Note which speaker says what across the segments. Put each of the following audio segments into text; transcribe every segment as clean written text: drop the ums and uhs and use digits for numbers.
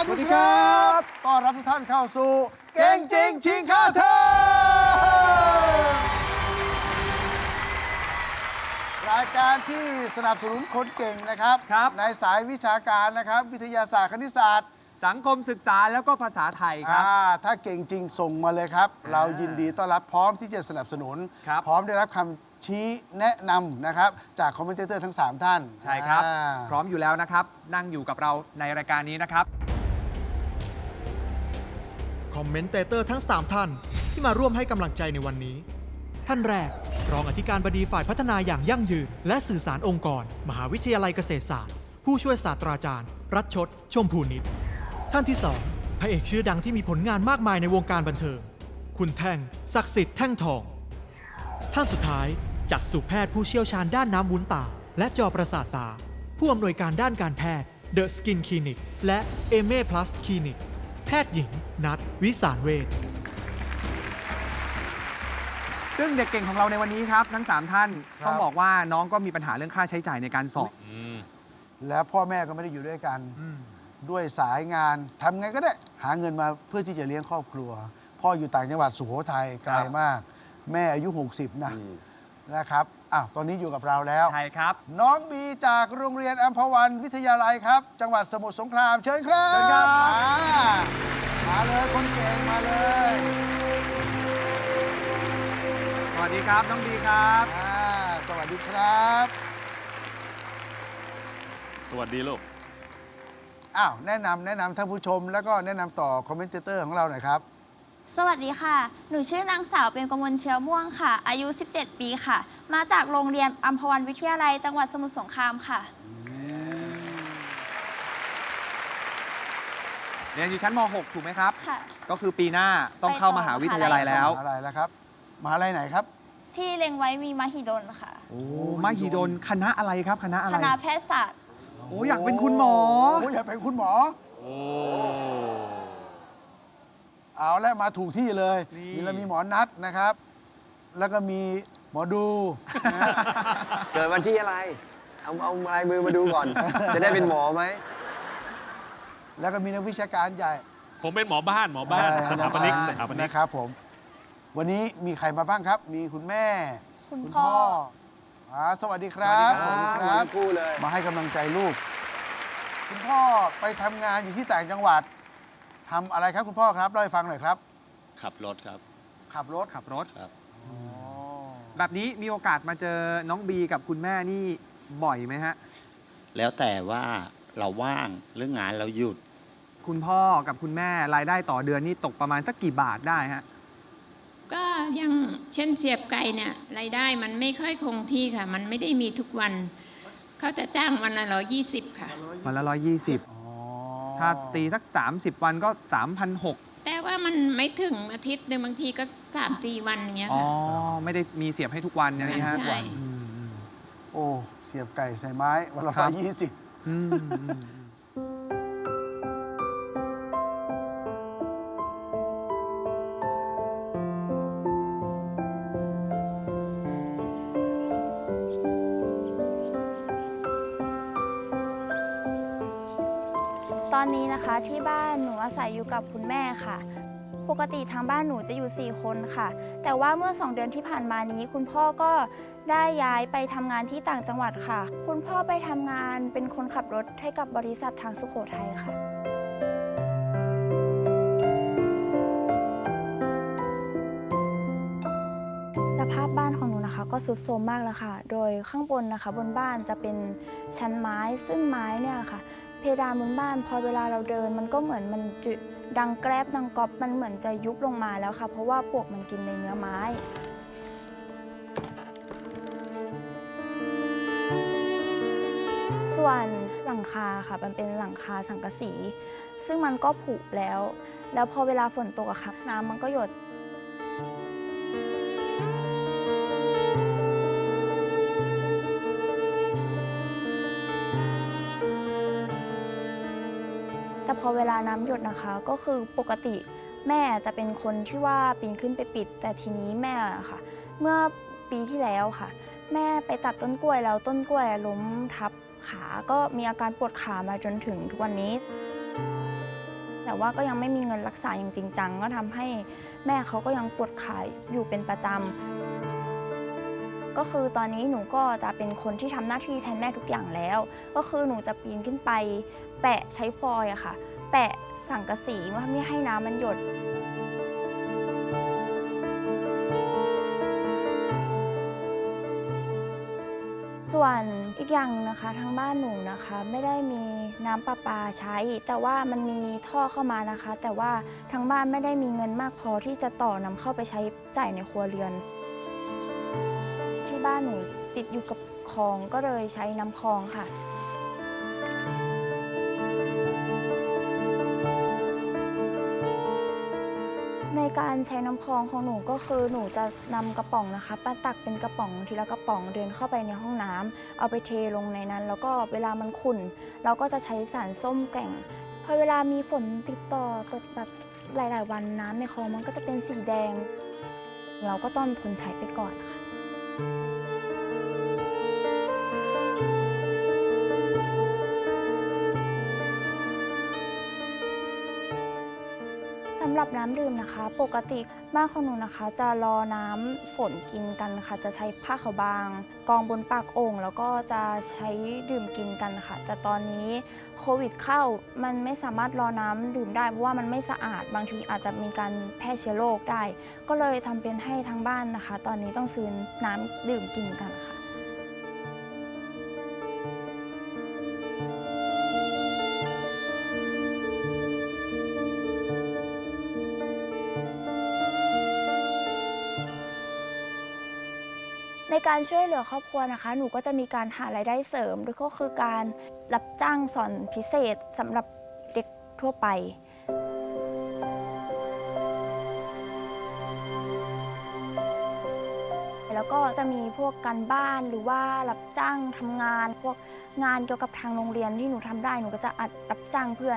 Speaker 1: สดีครับต้อนรับทุกท่านเข้าสู่เก่งจริงชิงค่าเทอมรายการที่สนับสนุนคนเก่งนะครับ ในสายวิชาการนะครับวิทยาศาสตร์คณิตศาสตร์
Speaker 2: สังคมศึกษาแล้วก็ภาษาไทยครับ
Speaker 1: ถ้าเก่งจริงส่งมาเลยครับ เรายินดีต้อนรับพร้อมที่จะสนับสนุน พร้อมได้รับคำชี้แนะนำนะครับจากคอมเมนเตอร์ทั้ง 3 ท่าน
Speaker 2: ใช่ครับพร้อมอยู่แล้วนะครับนั่งอยู่กับเราในรายการนี้นะครับ
Speaker 3: คอมเมนเตเตอร์ทั้ง 3 ท่านที่มาร่วมให้กำลังใจในวันนี้ ท่านแรกรองอธิการบดีฝ่ายพัฒนาอย่างยั่งยืนและสื่อสารองค์กร มหาวิทยาลัยเกษตรศาสตร์ผู้ช่วยศาสตราจารย์รัชชดชมพูนิตท่านที่2พระเอกชื่อดังที่มีผลงานมากมายในวงการบันเทิงคุณแท่งศักดิ์สิทธิ์แท่งทองท่านสุดท้ายจักษุแพทย์ผู้เชี่ยวชาญด้านน้ำวุ้นตาและจอประสาทตาผู้อำนวยการด้านการแพทย์ The Skin Clinic และเอเม่ Plus Clinic แพทย์หญิงนัทวิสารเวช
Speaker 2: ซึ่งเด็กเก่งของเราในวันนี้ครับทั้ง3ท่านต้องบอกว่าน้องก็มีปัญหาเรื่องค่าใช้จ่ายในการสอบ
Speaker 1: แล้วพ่อแม่ก็ไม่ได้อยู่ด้วยกันด้วยสายงานทำไงก็ได้หาเงินมาเพื่อที่จะเลี้ยงครอบครัวพ่ออยู่ต่างจังหวัดสุโขทัยไกลมากแม่อายุ60นะครับตอนนี้อยู่กับเราแล้ว
Speaker 2: ใช่ครับ
Speaker 1: น้องบีจากโรงเรียนอัมพวันวิทยาลัยครับจังหวัดสมุทรสงครามเชิญครับ
Speaker 2: เชิญครับ
Speaker 1: มาเลยคนเก่งมาเลย
Speaker 2: สวัสดีครับน้องบีครับ
Speaker 1: สวัสดีครับ
Speaker 4: สวัสดีลูก
Speaker 1: แนะนำท่านผู้ชมแล้วก็แนะนำต่อคอมเมนเตอร์ของเราหน่อยครับ
Speaker 5: สวัสดีค่ะหนูชื่อนางสาวเป็นกมลเชื้อม่วงค่ะอายุ17ปีค่ะมาจากโรงเรียนอัมพวันวิทยาลัยจังหวัดสมุทรสงครามค่ะ
Speaker 2: เรียนอยู่ชั้นม .6 ถูกไหมครับ
Speaker 5: ค่ะ
Speaker 2: ก็คือปีหน้าต้องเข้ามหาวิทยาลัยแล้ว
Speaker 1: มหาลัยแล้วครับมหาลัยไหนครับ
Speaker 5: ที่เล็งไว้มีมหิดลค่ะ
Speaker 2: มหิดลคณะอะไรครับคณะอะไร
Speaker 5: คณะแพทยศาสตร์
Speaker 2: อยากเป็นคุณหมอ
Speaker 1: อยากเป็นคุณหมอเอาแล้วมาถูกที่เลยมีหมอนัดนะครับ แล้วก็มีหมอดู
Speaker 6: เกิดวันที่อะไรเอาลายมือมาดูก่อน จะได้เป็นหมอไหม
Speaker 1: แล้วก็มีนักวิชาการใหญ่
Speaker 4: ผมเป็นหมอบ้านสถาปนิก
Speaker 1: นะครับผมวันนี้มีใครมาบ้างครับมีคุณแม่
Speaker 5: คุณพ่อ
Speaker 1: สวัสดีครับ
Speaker 6: สวัสดีครับคู่เลย
Speaker 1: มาให้กำลังใจลูกคุณพ่อไปทำงานอยู่ที่ต่างจังหวัดทำอะไรครับคุณพ่อครับเล่าให้ฟังหน่อยครับ
Speaker 4: ขับรถครับ
Speaker 1: ขับรถ
Speaker 4: ครับ
Speaker 2: แบบนี้มีโอกาสมาเจอน้องบีกับคุณแม่นี่บ่อยไหมฮะ
Speaker 7: แล้วแต่ว่าเราว่างหรืองานเราหยุด
Speaker 2: คุณพ่อกับคุณแม่รายได้ต่อเดือนนี่ตกประมาณสักกี่บาทได้ฮะ
Speaker 8: ก็ยังเช่นเสียบไก่เนี่ยรายได้มันไม่ค่อยคงที่ค่ะมันไม่ได้มีทุกวันเขาจะจ้างวันละ120ค่ะ
Speaker 2: วันละ120ถ้าตีสัก30วันก็ 3,600
Speaker 8: แต่ว่ามันไม่ถึงอาทิตย์หนึ่งบางทีก็3-4วันอย่างเงี้ยค่ะ
Speaker 2: ไม่ได้มีเสียบให้ทุกวันอย่างนี้ฮะ
Speaker 8: ใช่
Speaker 1: โอ้เสียบไก่ใส่ไม้วันละ120
Speaker 5: ตอนนี้นะคะที่บ้านหนูอาศัยอยู่กับคุณแม่ค่ะปกติทางบ้านหนูจะอยู่4คนค่ะแต่ว่าเมื่อ2เดือนที่ผ่านมานี้คุณพ่อก็ได้ย้ายไปทำงานที่ต่างจังหวัดค่ะคุณพ่อไปทำงานเป็นคนขับรถให้กับบริษัททางสุโขทัยค่ะสภาพบ้านของหนูนะคะก็ทรุดโทรมมากแล้วค่ะโดยข้างบนนะคะบนบ้านจะเป็นชั้นไม้ซึ่งไม้เนี่ยค่ะเพดานบนบ้านพอเวลาเราเดินมันก็เหมือนมันดังแกรบดังก๊อบมันเหมือนจะยุบลงมาแล้วค่ะเพราะว่าปลวกมันกินในเนื้อไม้ส่วนหลังคาค่ะมันเป็นหลังคาสังกะสีซึ่งมันก็ผุแล้วพอเวลาฝนตกอะค่ะน้ำมันก็หยดแต่พอเวลาน้ำหยดนะคะก็คือปกติแม่จะเป็นคนที่ว่าปีนขึ้นไปปิดแต่ทีนี้แม่ค่ะเมื่อปีที่แล้วค่ะแม่ไปตัดต้นกล้วยแล้วต้นกล้วยล้มทับขาก็มีอาการปวดขามาจนถึงทุกวันนี้แต่ว่าก็ยังไม่มีเงินรักษาอย่างจริงจังก็ทำให้แม่เขาก็ยังปวดขาอยู่เป็นประจำก็คือตอนนี้หนูก็จะเป็นคนที่ทำหน้าที่แทนแม่ทุกอย่างแล้วก็คือหนูจะปีนขึ้นไปแปะใช้ฟอยล์อะค่ะแปะสังกะสีว่าไม่ให้น้ำมันหยดส่วนอีกอย่างหนึ่งนะคะทางบ้านหนูนะคะไม่ได้มีน้ำประปาใช้แต่ว่ามันมีท่อเข้ามานะคะแต่ว่าทางบ้านไม่ได้มีเงินมากพอที่จะต่อนำเข้าไปใช้จ่ายในครัวเรือนที่บ้านหนูติดอยู่กับคลองก็เลยใช้น้ำคลองค่ะในการใช้น้ำคลองของหนูก็คือหนูจะนำกระป๋องนะคะมาตักเป็นกระป๋องทีละกระป๋องเดินเข้าไปในห้องน้ำเอาไปเทลงในนั้นแล้วก็เวลามันขุ่นเราก็จะใช้สารส้มแกว่งพอเวลามีฝนติดต่อตกแบบหลายๆวันน้ำในคลองมันก็จะเป็นสีแดงเราก็ต้องทนใช้ไปก่อนค่ะสำหรับน้ำดื่มนะคะปกติบ้านของหนูนะคะจะรอน้ำฝนกินกันค่ะจะใช้ผ้าขาวบางกองบนปากโอ่งแล้วก็จะใช้ดื่มกินกันค่ะแต่ตอนนี้โควิดเข้ามันไม่สามารถรอน้ำดื่มได้เพราะว่ามันไม่สะอาดบางทีอาจจะมีการแพร่เชื้อโรคได้ก็เลยทำเป็นให้ทางบ้านนะคะตอนนี้ต้องซื้อน้ำดื่มกินกันค่ะในการช่วยเหลือครอบครัวนะคะหนูก็จะมีการหารายได้เสริมด้วยก็คือการรับจ้างสอนพิเศษสำหรับเด็กทั่วไปแล้วก็จะมีพวกการบ้านหรือว่ารับจ้างทำงานพวกงานเกี่ยวกับทางโรงเรียนที่หนูทำได้หนูก็จะรับจ้างเพื่อน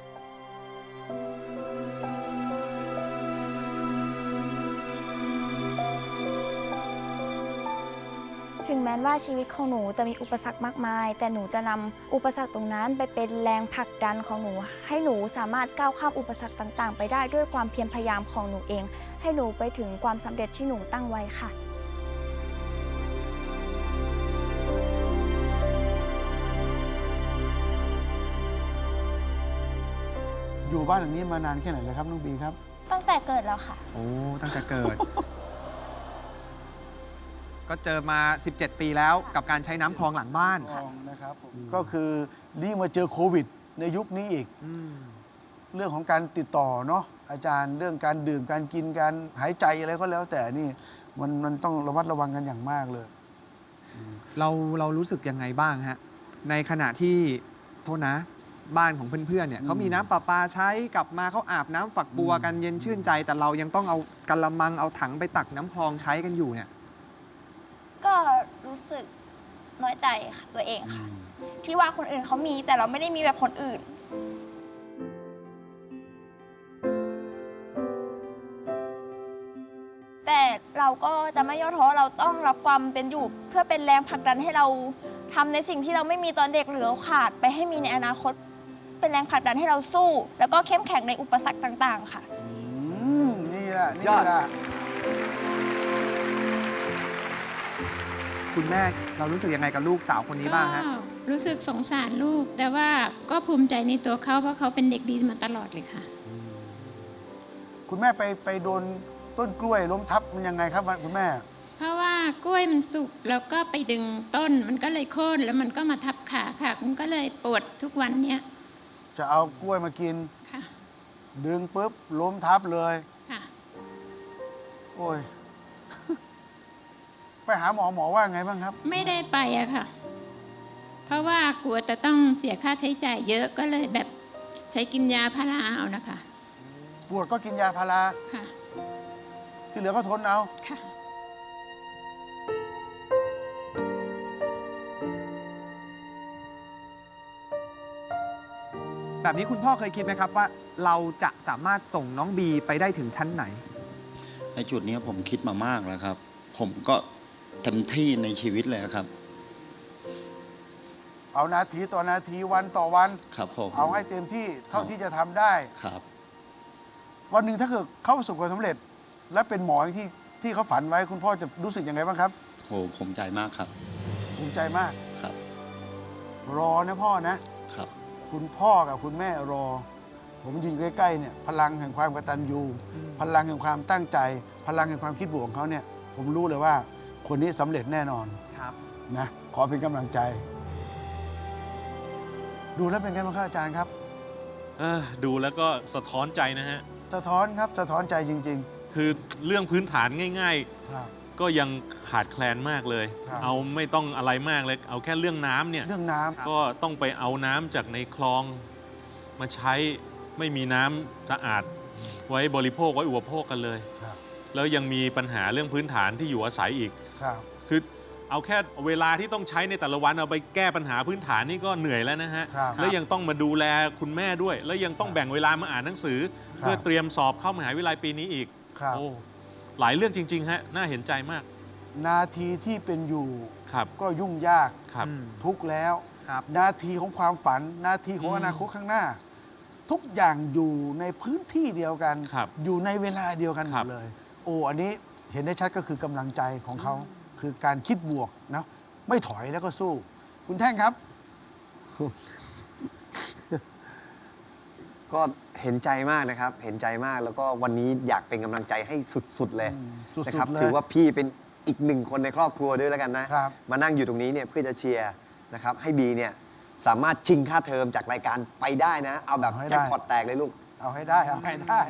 Speaker 5: ถึงแม้ว่าชีวิตของหนูจะมีอุปสรรคมากมายแต่หนูจะนำอุปสรรคตรงนั้นไปเป็นแรงผลักดันของหนูให้หนูสามารถก้าวข้ามอุปสรรคต่างๆไปได้ด้วยความเพียรพยายามของหนูเองให้หนูไปถึงความสำเร็จที่หนูตั้งไว้ค่ะ
Speaker 1: อยู่บ้านหลังนี้มานานแค่ไหนแล้วครับน้องบีครับ
Speaker 5: ตั้งแต่เกิดแล้วค่ะ
Speaker 2: โอ้ตั้งแต่เกิด ก็เจอมา 17 ปีแล้วกับการใช้น้ำคลองหลังบ้าน
Speaker 1: นะครับผมก็คือนี่มาเจอโควิดในยุคนี้อีกเรื่องของการติดต่อเนาะอาจารย์เรื่องการดื่มการกินการหายใจอะไรก็แล้วแต่นี่มันต้องระมัดระวังกันอย่างมากเลย
Speaker 2: เรารู้สึกยังไงบ้างฮะในขณะที่โทษนะบ้านของเพื่อนๆเนี่ยเขามีน้ำประปาใช้กลับมาเขาอาบน้ำฝักบัวกันเย็นชื่นใจแต่เรายังต้องเอากะละมังเอาถังไปตักน้ำคลองใช้กันอยู่เนี่ย
Speaker 5: ก็รู้สึกน้อยใจค่ะตัวเองค่ะที่ว่าคนอื่นเขามีแต่เราไม่ได้มีแบบคนอื่นแต่เราก็จะไม่ย่อท้อเราต้องรับความเป็นอยู่เพื่อเป็นแรงผลักดันให้เราทำในสิ่งที่เราไม่มีตอนเด็กหรือเราขาดไปให้มีในอนาคตเป็นแรงผลักดันให้เราสู้แล้วก็เข้มแข็งในอุปสรรคต่างๆค่ะ
Speaker 1: นี่แหละ
Speaker 2: คุณแม่เรารู้สึกยังไงกับลูกสาวคนนี้บ้างฮะ
Speaker 8: รู้สึกสงสารลูกแต่ว่าก็ภูมิใจในตัวเขาเพราะเขาเป็นเด็กดีมาตลอดเลยค่ะ
Speaker 1: คุณแม่ไปโดนต้นกล้วยล้มทับมันยังไงครับคุณแม่
Speaker 8: เพราะว่ากล้วยมันสุกแล้วก็ไปดึงต้นมันก็เลยโค่นแล้วมันก็มาทับขาค่ะมันก็เลยปวดทุกวันเนี้ย
Speaker 1: จะเอากล้วยมากิน
Speaker 8: ค่ะ
Speaker 1: ดึงปุ๊บล้มทับเลย
Speaker 8: ค่ะ
Speaker 1: โอ้ยไปหาหมอว่าไงบ้างครับ
Speaker 8: ไม่ได้ไปอะค่ะเพราะว่ากลัวจะต้องเสียค่าใช้จ่ายเยอะก็เลยแบบใช้กินยาพาราเอานะคะ
Speaker 1: ปวดก็กินยาพารา
Speaker 8: ค่ะ
Speaker 1: ที่เหลือก็ทนเอา
Speaker 8: ค่ะ
Speaker 2: แบบนี้คุณพ่อเคยคิดไหมครับว่าเราจะสามารถส่งน้องบีไปได้ถึงชั้นไหน
Speaker 7: ในจุดนี้ผมคิดมามากแล้วครับผมก็เต็มที่ในชีวิตเลยครับ
Speaker 1: เอานาทีต่อนาทีวันต่อวัน
Speaker 7: ครับผม
Speaker 1: เอาให้เต็มที่เท่าที่จะทำได้
Speaker 7: ครับ
Speaker 1: วันหนึ่งถ้าเกิดเขาประสบความสำเร็จ และเป็นหมออย่างที่เขาฝันไว้คุณพ่อจะรู้สึกยังไงบ้างครับ
Speaker 7: โอ้ผมใจมากครับ
Speaker 1: ภูมิใจมาก
Speaker 7: ครับ
Speaker 1: รอนะพ่อนะ
Speaker 7: ครับ
Speaker 1: คุณพ่อกับคุณแม่รอ ผมยืนใกล้ๆเนี่ยพลังแห่งความกตัญญูพลังแห่งความตั้งใจ พลังแห่งความคิดบวกของเขาเนี่ย ผมรู้เลยว่าคนนี้สำเร็จแน่นอน
Speaker 2: ครับ
Speaker 1: นะขอเป็นกำลังใจ ดูแล้วเป็นไงบ้างครับอาจารย์ครับ
Speaker 4: ดูแล้วก็สะท้อนใจนะฮะ
Speaker 1: สะท้อนครับสะท้อนใจจริง
Speaker 4: คือเรื่องพื้นฐานง่าย
Speaker 1: ๆ ครับ
Speaker 4: ๆ ก็ยังขาดแคลนมากเลย
Speaker 1: ครับ
Speaker 4: เอาไม่ต้องอะไรมากเลย เอาแค่เรื่องน้ำเนี่ย
Speaker 1: เรื่องน้ำ
Speaker 4: ก็ต้องไปเอาน้ำจากในคลองมาใช้ไม่มีน้ำสะอาดไว้บริโภคไว้อุปโภคกันเลย
Speaker 1: ครับ
Speaker 4: แล้วยังมีปัญหาเรื่องพื้นฐานที่อยู่อาศัยอีก
Speaker 1: ครับ
Speaker 4: คือเอาแค่เวลาที่ต้องใช้ในแต่ละวันเอาไปแก้ปัญหาพื้นฐานนี่ก็เหนื่อยแล้วนะฮะ
Speaker 1: ครับ
Speaker 4: แล้วยังต้องมาดูแลคุณแม่ด้วย แล้วยังต้องแบ่งเวลามาอ่านหนังสือ
Speaker 1: ครับ
Speaker 4: เพื่อเตรียมสอบเข้ามหาวิทยาลัยปีนี้อีก
Speaker 1: ครับ
Speaker 4: โอ้หลายเรื่องจริงๆฮะน่าเห็นใจมาก
Speaker 1: นาทีที่เป็นอยู่
Speaker 4: ครับ
Speaker 1: ก็ยุ่งยาก
Speaker 4: ครับ
Speaker 1: ทุกข์แล้ว
Speaker 2: ครับ
Speaker 1: นาทีของความฝัน นาทีของอนาคตข้างหน้า ทุกอย่างอยู่ในพื้นที่เดียวกัน
Speaker 4: ครับ
Speaker 1: อยู่ในเวลาเดียวกันห
Speaker 4: ค
Speaker 1: ม
Speaker 4: รั
Speaker 1: ด
Speaker 4: บ
Speaker 1: เลย โอ้อันนี้เห็นได้ชัดก็คือกำลังใจของเขา คือการคิดบวกเนาะไม่ถอยแล้วก็สู้ คุณแท่งครับ
Speaker 6: ก็เห็นใจมากนะครับ เห็นใจมากแล้วก็วันนี้อยากเป็นกำลังใจให้สุดๆเลย
Speaker 1: สุดๆ
Speaker 6: นะครับ
Speaker 1: เลย
Speaker 6: ถือว่าพี่เป็นอีกหนึ่งคนในครอบครัวด้วยแล้วกันนะ
Speaker 1: ครับ
Speaker 6: มานั่งอยู่ตรงนี้เนี่ยเพื่อจะเชียร์นะครับให้บีเนี่ยสามารถชิงค่าเทอมจากรายการไปได้นะ เอาแบบ
Speaker 1: เอาให้ได้
Speaker 6: แจ็คพอตแตกเลยลูก
Speaker 1: เอาให้ได้เอาให้ได้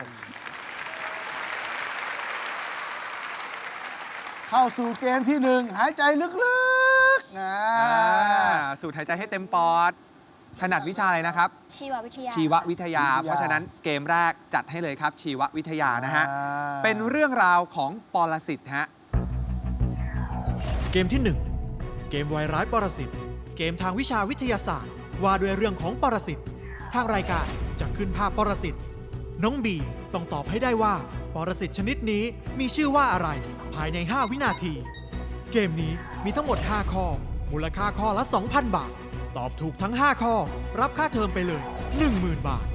Speaker 1: เข้าสู่เกมที่หนึ่งหายใจลึกๆนะ
Speaker 2: สูดหายใจให้เต็มปอด ถนัดวิชาอะไรนะครับ
Speaker 5: ชีววิทยา
Speaker 2: ชีววิทยา เพราะฉะนั้นเกมแรกจัดให้เลยครับ ชีววิทยานะฮะ
Speaker 1: อ่า
Speaker 2: เป็นเรื่องราวของปรสิตฮะ
Speaker 3: เกมที่ 1 เกมวายร้ายปรสิต เกมทางวิชาวิทยาศาสตร์ ว่าด้วยเรื่องของปรสิต ทางรายการจะขึ้นภาพปรสิต น้องบีต้องตอบให้ได้ว่าปรสิตชนิดนี้มีชื่อว่าอะไร ภายใน 5 วินาที เกมนี้มีทั้งหมด 5 ข้อ มูลค่าข้อละ 2,000 บาท ตอบถูกทั้ง 5 ข้อ รับค่าเทอมไปเลย 10,000 บาท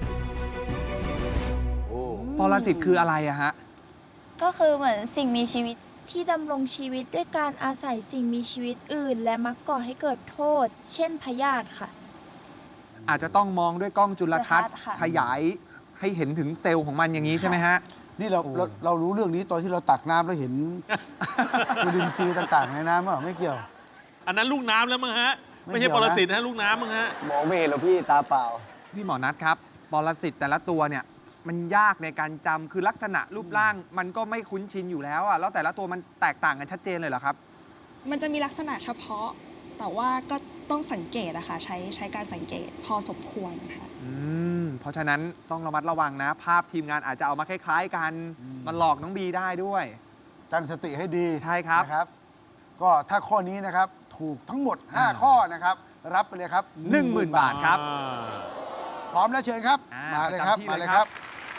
Speaker 2: ปรสิตคืออะไรอะฮะ
Speaker 5: ก็คือเหมือนสิ่งมีชีวิตที่ดำรงชีวิตด้วยการอาศัยสิ่งมีชีวิตอื่น และมักก่อให้เกิดโทษ เช่นพยาธิค่ะ
Speaker 2: อาจจะต้องมองด้วยกล้องจุลทรรศน์
Speaker 5: ค่ะ
Speaker 2: ขยายให้เห็นถึงเซลล์ของมันอย่างนี้ใช่ไหมฮะ
Speaker 1: นี่เรารู้เรื่องนี้ตอนที่เราตักน้ำแล้วเห็น จุลินทรีย์ต่างๆในน้ำเปล่าไม่เกี่ยว
Speaker 4: อันนั้นลูกน้ำแล้วมั้งฮะ
Speaker 1: ไม่
Speaker 4: ไม่
Speaker 1: เกี่
Speaker 4: ใช่
Speaker 1: ยว
Speaker 4: ป
Speaker 1: นะ
Speaker 4: รสิตนะลูกน้ำมั้งฮะ
Speaker 6: มองไม่เห็นหรอกพี่ตาเปล่า
Speaker 2: พี่หมอนัทครับ ปรสิตแต่ละตัวเนี่ยมันยากในการจำคือลักษณะรูปร่าง มันก็ไม่คุ้นชินอยู่แล้วอะแล้วแต่ละตัวมันแตกต่างกันชัดเจนเลยเหรอครับ
Speaker 9: มันจะมีลักษณะเฉพาะ แต่ว่าก็ต้องสังเกตอะค่ะใช้การสังเกตพอสมควรค่ะ
Speaker 2: เพราะฉะนั้นต้องระมัดระวังนะ ภาพทีมงานอาจจะเอามาคล้ายๆกัน มันหลอกน้องบีได้ด้วย
Speaker 1: ตั้งสติให้ดี
Speaker 2: ใช่ครับ
Speaker 1: นะครับ ก็ถ้าข้อนี้นะครับ ถูกทั้งหมด 5 ข้อนะครับ รับไปเลยครับ
Speaker 2: 10,000 บาทครับ
Speaker 1: พร้อมแล้วเชิญครับ มาเลยครับ
Speaker 2: ประจำที่
Speaker 1: มา
Speaker 2: เล
Speaker 1: เลย
Speaker 2: ย
Speaker 1: ค
Speaker 2: ครั
Speaker 1: รับ
Speaker 2: บ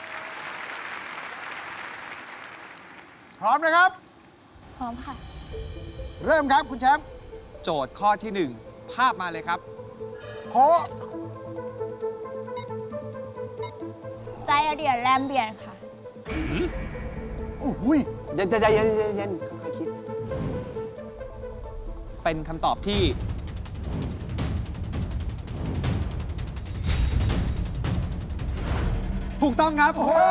Speaker 1: พร้อมนะครับ
Speaker 5: พร้อมค่ะ
Speaker 1: เริ่มครับคุณแชมป์
Speaker 2: โจทย์ข้อที่ 1 ภาพมาเลยครับ
Speaker 1: โพ
Speaker 5: ใจเดียนแรมเบียนค่ะ
Speaker 1: อู้หุย
Speaker 6: เย็นใจเย็นค่อยๆคิด
Speaker 2: เป็นคำตอบที่ ถูกต้องครับ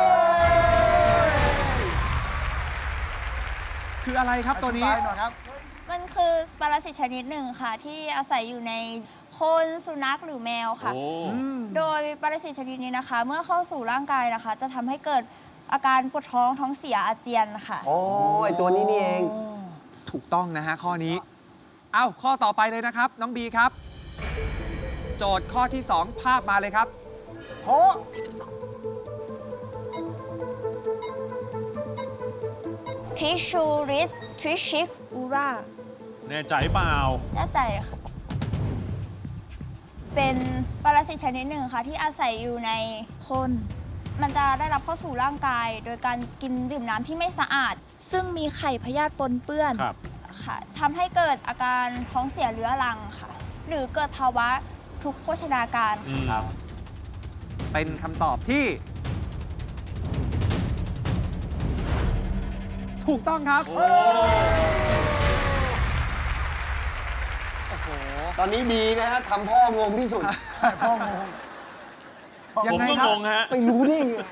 Speaker 2: คืออะไรครับตัวนี้
Speaker 1: อธิบายหน่อยครับ
Speaker 5: มันคือปรสิตชนิดหนึ่งค่ะ ที่อาศัยอยู่ในคนสุนัขหรือแมวค่ะ
Speaker 4: โอ้
Speaker 5: โดยปรสิตชนิดนี้นะคะ เมื่อเข้าสู่ร่างกายนะคะ จะทำให้เกิดอาการปวดท้องท้องเสียอาเจียนค่ะ
Speaker 6: โอ้ไอตัวนี้นี่เอง
Speaker 2: ถูกต้องนะฮะข้อนี้ เอ้าข้อต่อไปเลยนะครับ น้องบีครับ โจทย์ข้อที่ 2 ภาพมาเลยครับ
Speaker 1: โพ
Speaker 5: ทิชูริสทริชิกอูรา
Speaker 4: แน่ใจเปล่า
Speaker 5: แน่ใจค่ะ เป็นปรสิตชนิดหนึ่งค่ะ ที่อาศัยอยู่ในคน มันจะได้รับเข้าสู่ร่างกาย โดยการกินดื่มน้ำที่ไม่สะอาด ซึ่งมีไข่พยาธิปนเปื้อน
Speaker 4: ครับ
Speaker 5: ค่ะทำให้เกิดอาการท้องเสียเรื้อรังค่ะหรือเกิดภาวะทุกข์โภชนาการ
Speaker 6: ครับ
Speaker 2: เป็นคำตอบที่ ถูกต้องครับ โอ้โห
Speaker 6: ตอนนี้ดีนะฮะทำพ่องงที่สุด
Speaker 1: ใช่พ่องง
Speaker 2: ยั
Speaker 4: ผ
Speaker 2: ง
Speaker 4: ม
Speaker 2: ไง
Speaker 4: ก็
Speaker 2: ครับ
Speaker 4: งงฮะ
Speaker 6: ไปรู้ได้ไง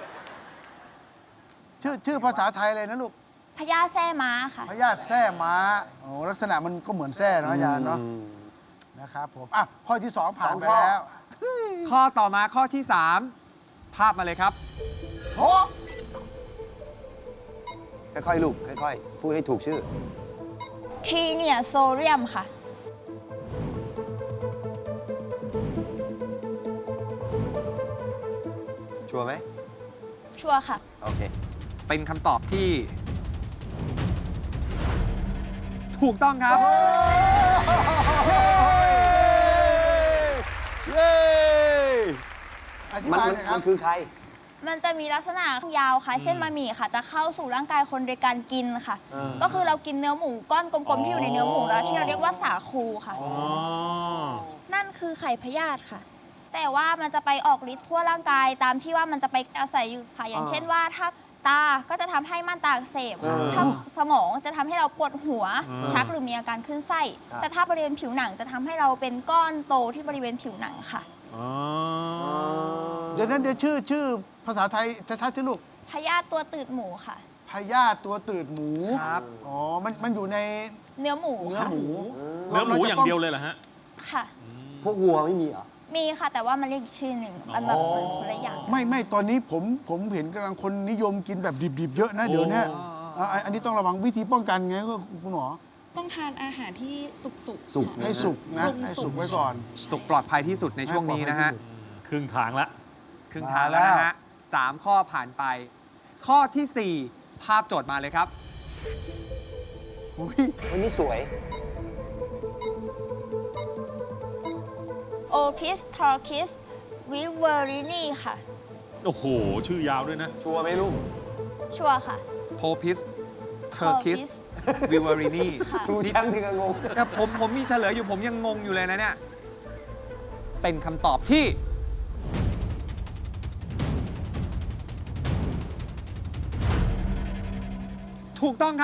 Speaker 1: ชื่อภาษาไทยเลยนะลูก
Speaker 5: พยาธิแส้ม้าค่ะ
Speaker 1: พยาธิแส้ม้าโอ้ลักษณะมันก็เหมือนแส้เนาะอาจารย์เนาะนะครับผมอ่ะข้อที่ 2 ผ่านไป
Speaker 6: สองข้อ
Speaker 1: แล้ว
Speaker 2: ข้อต่อมาข้อที่ 3 ภาพมาเลยครับ
Speaker 1: โอ้
Speaker 6: ค่อยๆลูกค่อยๆ พูดให้ถูกชื่อ
Speaker 5: ทีเนียโซเดียมค่ะ
Speaker 6: ชัวร์ไหม
Speaker 5: ชัวร์ค่ะ
Speaker 6: โอเค
Speaker 2: เป็นคำตอบที่ ถูกต้องครับ
Speaker 6: เย้
Speaker 1: อธิ
Speaker 6: มัน
Speaker 1: บายหน่อยครั
Speaker 6: มั
Speaker 1: บ
Speaker 6: นคือใคร
Speaker 5: มันจะมีลักษณะยาวคล้ายเส้นบะหมี่ค่ะ จะเข้าสู่ร่างกายคนโดยการกินค่ะ ก็คือเรากินเนื้อหมูก้อนกลมๆที่อยู่ในเนื้อหมูแล้วที่เราเรียกว่าสาคูค่ะ
Speaker 4: อ๋อ
Speaker 5: นั่นคือไข่พยาธิค่ะ แต่ว่ามันจะไปออกฤทธิ์ทั่วร่างกายตามที่ว่ามันจะไปอาศัยอยู่ค่ะ อย่างเช่นว่าถ้าตาก็จะทำให้ม่านตาอักเสบค่ะถ้าสมองจะทำให้เราปวดหัว ชักหรือมีอาการขึ้นไส้ แต่ถ้าบริเวณผิวหนังจะทำให้เราเป็นก้อนโตที่บริเวณผิวหนังค่ะ
Speaker 4: อ๋อ
Speaker 1: เดี๋ยวนั้นเดี๋ยวชื่อภาษาไทยชัดๆชื่อลูก
Speaker 5: พยาธิตัวตืดหมูค่ะ
Speaker 1: พยาธิตัวตืดหมู
Speaker 2: ครับ
Speaker 1: อ๋อมันอยู่ใน
Speaker 5: เนื้อหมู
Speaker 1: เนื้อ
Speaker 5: ค่ะ
Speaker 1: หมู
Speaker 4: เนื้อหมูอย่างเดียวเลยเหรอฮะ
Speaker 5: ค่ะ
Speaker 6: พวกวัวไม่มีเหรอ
Speaker 5: มีค่ะแต่ว่ามันเรียกอีกชื่อหนึ่งมันแบบเหมือนคนละอย่าง
Speaker 1: ไม่ตอนนี้ผมเห็นกำลังคนนิยมกินแบบดิบๆเยอะนะเดี๋ยวเนี้ยอันนี้ต้องระวังวิธีป้องกันไงคุณหมอ
Speaker 9: ต้องทานอาหารที่สุก
Speaker 6: สุก
Speaker 1: ให้สุกนะ
Speaker 9: ปรุง
Speaker 1: ให้สุก
Speaker 9: สุก
Speaker 1: ไว้ก่อน
Speaker 2: สุขปลอดภัยที่สุดในช่วงนี้นะฮะ
Speaker 4: ครึ่งทางละ
Speaker 2: ครึ่งทางแล้วนะฮะ 3 ข้อผ่านไป ข้อทีสี่ 4 ภาพโจทย์มาเลยครับ
Speaker 1: อุ๊ย
Speaker 6: วันนี้สวย
Speaker 5: โอพิสทอร์คิสวิเวอรินีค่ะ
Speaker 4: โอ้โห ชื่อยาวด้วยนะ
Speaker 6: ชัวร์ไหมลูก
Speaker 5: ชัวร์ค่ะ
Speaker 2: โพพิส เทอร์คิส วิวารินี
Speaker 5: ค่ะ
Speaker 6: ครูแชมป์ถึงกับงง
Speaker 2: แต่ผมมีเฉลยอยู่ผมยังงงอยู่เลยนะเนี่ย เป็นคำตอบที่ ถูกต้องครับ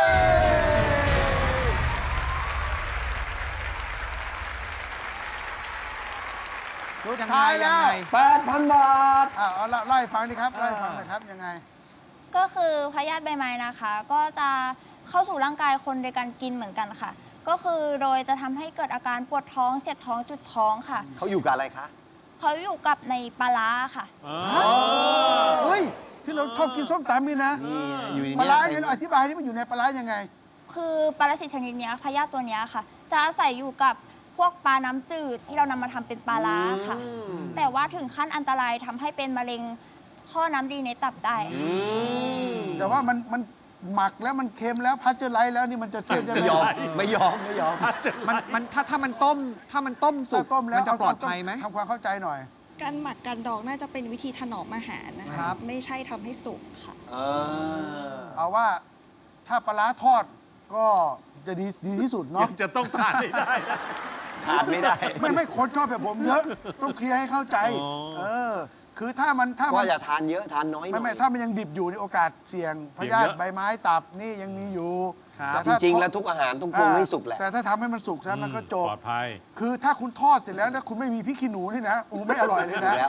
Speaker 1: สุดท้ายแล้ว
Speaker 2: ยังไง
Speaker 6: 8,000 บาท
Speaker 1: เอาเล่าให้ฟังดิครับเล่าให้ฟังหน่อยครับยังไง
Speaker 5: ก็คือพยาธิใบไม้นะคะ ก็จะเข้าสู่ร่างกายคนโดยการกินเหมือนกันค่ะ ก็คือโดยจะทำให้เกิดอาการปวดท้องเสียดท้องจุดท้องค่ะ
Speaker 6: เขาอยู่กับอะไรคะ
Speaker 5: เขาอยู่กับในปลาร้าค่ะ
Speaker 4: อ๋อ
Speaker 1: เฮ้ย ที่เราชอบกินส้มตำนี่นะ
Speaker 6: นี่อยู่ใน
Speaker 1: ปลา
Speaker 6: เนี้
Speaker 1: ร้าอย่างนี้อธิบายที่มันอยู่ในปลาร้ายังไง
Speaker 5: คือปรสิตชนิดเนี้ยพยาธิตัวเนี้ยค่ะ จะอาศัยอยู่กับพวกปลาน้ำจืดที่เรานำมาทำเป็นปลาร้าค่ะ แต่ว่าถึงขั้นอันตรายทำให้เป็นมะเร็งข้อน้ำดีในตับได้ค่ะ
Speaker 1: แต่ว่ามันหมักแล้วมันเค็มแล้วพัชเจอร์ไลท์แล้วนี่มันจะเทียบยัง
Speaker 6: ไม่
Speaker 1: ไง
Speaker 6: ยอม ไม่ยอม ไม่ยอม
Speaker 2: มันถ้ามันต้มสุ
Speaker 1: ถ้าก ต้มแล้ว
Speaker 2: มันจะปลอดภัยไหม
Speaker 1: ทำความเข้าใจหน่อย
Speaker 9: การหมักการดองน่าจะเป็นวิธีถนอมอาหารนะ
Speaker 2: ครั
Speaker 9: คะ
Speaker 2: บ
Speaker 9: ไม่ใช่ทำให้สุกค่ะ
Speaker 1: เอาว่าถ้าปลาร้าทอดก็จะดีที่สุดเนาะ
Speaker 4: ยังจะต้องทานให้ได้นะ
Speaker 6: ขาดไม่ได้
Speaker 1: ไม่คนชอบแบบผมเยอะ ต้องเคลียร์ให้เข้าใจ
Speaker 4: อ๋อ
Speaker 1: คือถ้ามัน
Speaker 6: ก็อย่าทานเยอะ ทานน้อยหน่อย
Speaker 1: ไม่ถ้ามันยังดิบอยู่ในโอกาสเสี่ยงพยาธิใบไม้ตับนี่ยังมีอยู่
Speaker 2: ครับ
Speaker 1: แต่
Speaker 6: จ
Speaker 1: ถ้า
Speaker 6: ริง ๆ แล้วทุกอาหารต้องปรุงให้สุกแหละ
Speaker 1: แต่ถ้าทำให้มันสุกซะมันก็จบ
Speaker 4: ปลอดภัย
Speaker 1: คือถ้าคุณทอดเสร็จแล้วนะคุณไม่มีพริกขี้หนูนี่นะโอ้ไม่อร่อยเลยนะ
Speaker 6: แล้ว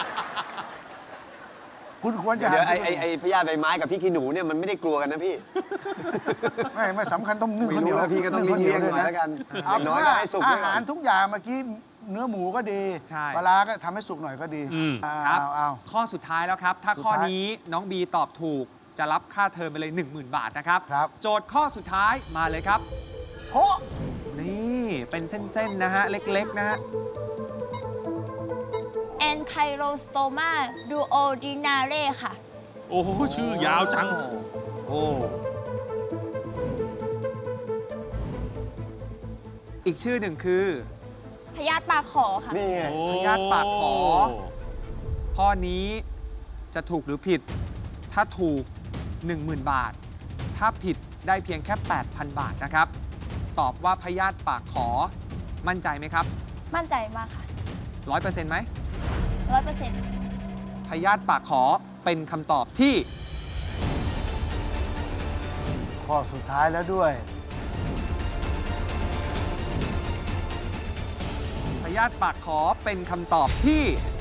Speaker 1: คุณควรจะ
Speaker 6: เดี๋ยว
Speaker 1: หา
Speaker 6: ไอ้พยาธิใบไม้กับพี่ขี้หนูเนี่ยมันไม่ได้กลัวกันนะพี่
Speaker 1: ไม่สำคัญต้องนึ่ง
Speaker 6: ไม่
Speaker 1: ข้าวเหนี
Speaker 6: รู้
Speaker 1: ยว
Speaker 6: แล้วพี่ก็ต้อง
Speaker 1: ข้าวเหนี
Speaker 6: เลี่
Speaker 1: ย
Speaker 6: ยว งๆหน่อยแล้วกันอ
Speaker 1: เอา
Speaker 6: ย่างน้อย
Speaker 1: ว่า
Speaker 6: ก็ให้สุก
Speaker 1: อา
Speaker 6: ด้วยก่
Speaker 1: หา
Speaker 6: อ
Speaker 1: ร
Speaker 6: น
Speaker 1: ทุกอย่างเมื่อกี้เนื้อหมูก็ดี
Speaker 2: ใช่
Speaker 1: ปลาร้าก็ทำให้สุกหน่อยก็ดี
Speaker 4: อืม
Speaker 2: ครับ
Speaker 1: เอา
Speaker 2: ข้อสุดท้ายแล้วครับ ถ้า
Speaker 1: สุด
Speaker 2: ข้อ
Speaker 1: ท้าย
Speaker 2: นี้น้องบีตอบถูกจะรับค่าเทอมไปเลย 10,000 บาทนะครับ
Speaker 1: ครับ
Speaker 2: โจทย์ข้อสุดท้ายมาเลยครับ
Speaker 1: โห
Speaker 2: นี่เป็นเส้น ๆ นะฮะ เล็ก ๆ นะฮะ
Speaker 5: แอนไคโรสโตมาดูโอดินาเร่ค่ะ
Speaker 4: โอ้โห ชื่อยาวจัง
Speaker 2: โอ้อีกชื่อหนึ่งคือ
Speaker 5: พยาธิปากขอค่ะ
Speaker 6: นี่ไง
Speaker 2: พยาธิปากขอ ข้อนี้จะถูกหรือผิด ถ้าถูก 10,000 บาท ถ้าผิดได้เพียงแค่ 8,000 บาทนะครับ ตอบว่าพยาธิปากขอมั่นใจไหมครับ
Speaker 5: มั่นใจมากค่ะ
Speaker 2: 100%ไหม
Speaker 5: 100%
Speaker 2: พยาธิปากขอเป็นคำตอบที่
Speaker 1: ข้อสุดท้ายแล้วด้วย
Speaker 2: พยาธิปากขอเป็นคำตอบที่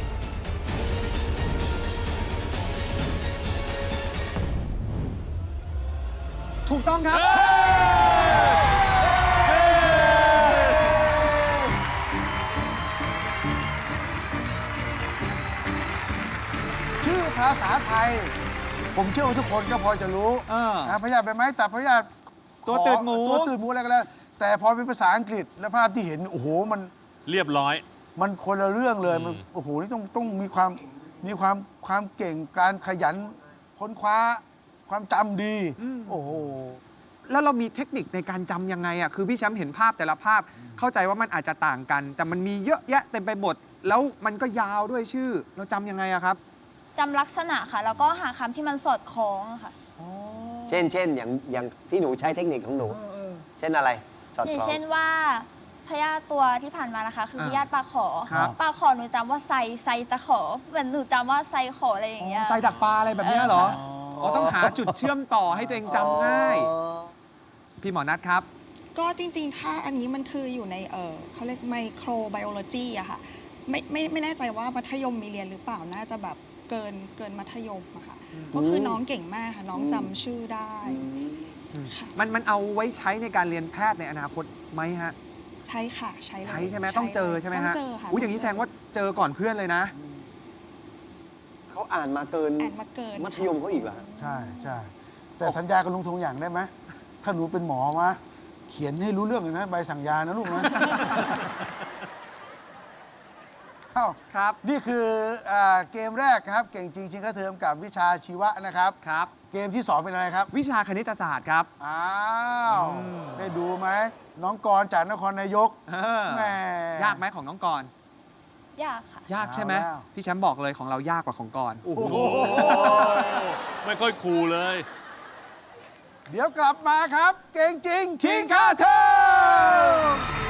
Speaker 2: ถูกต้องครับ
Speaker 1: ชื่อภาษาไทย ผมเชื่อว่าทุกคนก็พอจะรู้ พยาธิใบไม้ตับพยาธิ
Speaker 2: ตัวตืดหมู
Speaker 1: ตัวตืดหมูอะไรก็แล้ว แต่พอเป็นภาษาอังกฤษและภาพที่เห็น โอ้โห
Speaker 4: เรียบร้อย
Speaker 1: มันคนละเรื่องเลยมันโอ้โห นี่ต้องมีความเก่ง การขยันค้นคว้า ความจำดี โอ้โห
Speaker 2: แล้วเรามีเทคนิคในการจำยังไงอ่ะ คือพี่แชมป์เห็นภาพแต่ละภาพ เข้าใจว่ามันอาจจะต่างกัน แต่มันมีเยอะแยะเต็มไปหมด แล้วมันก็ยาวด้วยชื่อ เราจำยังไงอะครับ
Speaker 5: จำลักษณะค่ะ แล้วก็หาคำที่มันสอดคล้องอะค่ะ
Speaker 6: เช่นอย่างที่หนูใช้เทคนิคของหนู เช่นอะไร สอด
Speaker 5: อย่า
Speaker 6: ค
Speaker 5: ง
Speaker 6: ล้อง
Speaker 5: เช่นว่าพยาธิตัวที่ผ่านมานะคะ คือพยาธิปลาขอ
Speaker 2: ครับ
Speaker 5: ปลาขอหนูจำว่าไซตะขอเหมือนหนูจำว่าไซขออะไรอย่างเงี้ย
Speaker 2: ใส่ดักปลาอะไรแบบเนี้ยเหรอ อ๋อ ต้องหาจุดเชื่อมต่อให้ตัวเองจำง่าย พี่หมอนัทครับ
Speaker 9: ก็จริงๆ ถ้าอันนี้มันคืออยู่ในเขาเรียกไมโครไบโอโลจีอะค่ะไม่แน่ใจว่ามัธยมมีเรียนหรือเปล่าน่าจะแบบเกินมัธยมอะค่ะก็คือน้องเก่งมากค่ะน้องจำชื่อได้ค่ะ
Speaker 2: มันเอาไว้ใช้ในการเรียนแพทย์ในอนาคตไหมฮะ
Speaker 9: ใช่ค่ะใช่เลย
Speaker 2: ใช้ใช่ไหมต้องเจอใช่ไหม
Speaker 9: ต้อ
Speaker 2: ฮะ
Speaker 9: งเจอค่ะ
Speaker 2: อุ้ยอย่างนี้แสดงว่าเจอก่อนเพื่อนเลยนะ
Speaker 6: เขาอ่านมาเกิน
Speaker 9: อ่านมาเกิน
Speaker 6: มัธยมเขาอีกเหรอ
Speaker 1: ใช่ใช่แต่สัญญากับลุงธงอย่างได้ไหม ถ้าหนูเป็นหมอมาเขียนให้รู้เรื่องเลยนะ ใบสั่งยานะลูกนะ เอ้า
Speaker 2: ครับ
Speaker 1: นี่คือเกมแรกครับ เก่งจริงชิงค่าเทอมกับวิชาชีวะนะครับ
Speaker 2: ครับ
Speaker 1: เกมที่ 2 เป็นอะไรครับ
Speaker 2: วิชาคณิตศาสตร์ครับ
Speaker 1: อ้าว ได้ดูไหม น้องกรณ์จากนครนายก แหม
Speaker 2: ยากไหมของน้องกรณ์
Speaker 5: ยากค่ะ
Speaker 2: ยากใช่ไหม
Speaker 1: เอาแล้ว
Speaker 2: พี่แชมป์บอกเลยของเรายากกว่าของกรณ์
Speaker 1: โอ้โห
Speaker 4: ไม่ค่อยคูลเลย
Speaker 1: เดี๋ยวกลับมาครับ เก่งจริงชิงค่าเทอม